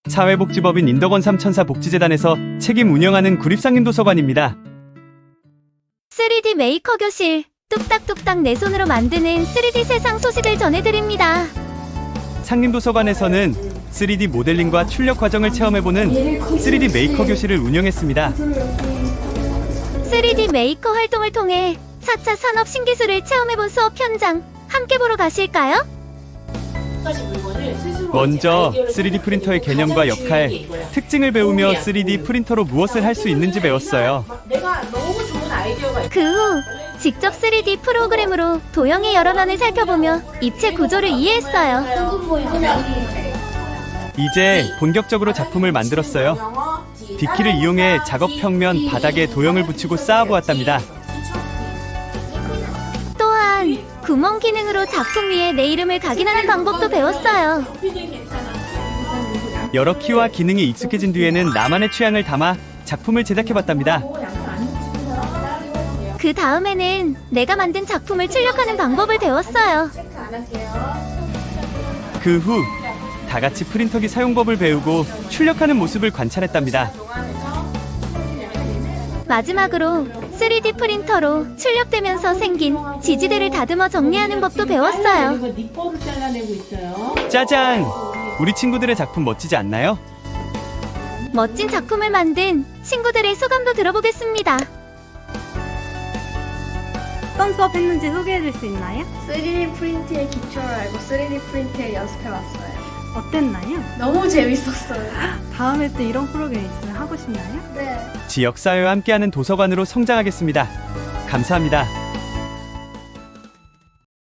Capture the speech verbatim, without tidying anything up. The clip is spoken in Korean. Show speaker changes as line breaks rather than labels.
사회복지법인 인덕원 삼천사 복지재단에서 책임 운영하는 구립상림도서관입니다.
쓰리디 메이커 교실, 뚝딱뚝딱 내 손으로 만드는 쓰리디 세상 소식을 전해드립니다.
상림도서관에서는 쓰리디 모델링과 출력 과정을 체험해보는 쓰리디 메이커 교실을 운영했습니다.
쓰리디 메이커 활동을 통해 사 차 산업 신기술을 체험해본 수업 현장 함께 보러 가실까요?
먼저 쓰리디 프린터의 개념과 역할, 특징을 배우며 쓰리디 프린터로 무엇을 할 수 있는지 배웠어요.
그 후 직접 쓰리디 프로그램으로 도형의 여러 면을 살펴보며 입체 구조를 이해했어요.
이제 본격적으로 작품을 만들었어요. 빗기를 이용해 작업 평면 바닥에 도형을 붙이고 쌓아보았답니다.
또한 구멍 기능으로 작품 위에 내 이름을 각인하는 방법도 배웠어요.
여러 키와 기능이 익숙해진 뒤에는 나만의 취향을 담아 작품을 제작해봤답니다.
그 다음에는 내가 만든 작품을 출력하는 방법을 배웠어요.
그 후 다같이 프린터기 사용법을 배우고 출력하는 모습을 관찰했답니다.
마지막으로 쓰리디 프린터로 출력되면서 생긴 지지대를 다듬어 정리하는 법도 배웠어요.
짜잔! 우리 친구들의 작품 멋지지 않나요?
멋진 작품을 만든 친구들의 소감도 들어보겠습니다.
어떤 수업 했는지 소개해 줄 수 있나요?
쓰리디 프린트의 기초를 알고 쓰리디 프린트에 연습해봤어요.
어땠나요?
너무 재밌었어요.
다음에 또 이런 프로그램 있으면 하고 싶나요?
네.
지역사회와 함께하는 도서관으로 성장하겠습니다. 감사합니다.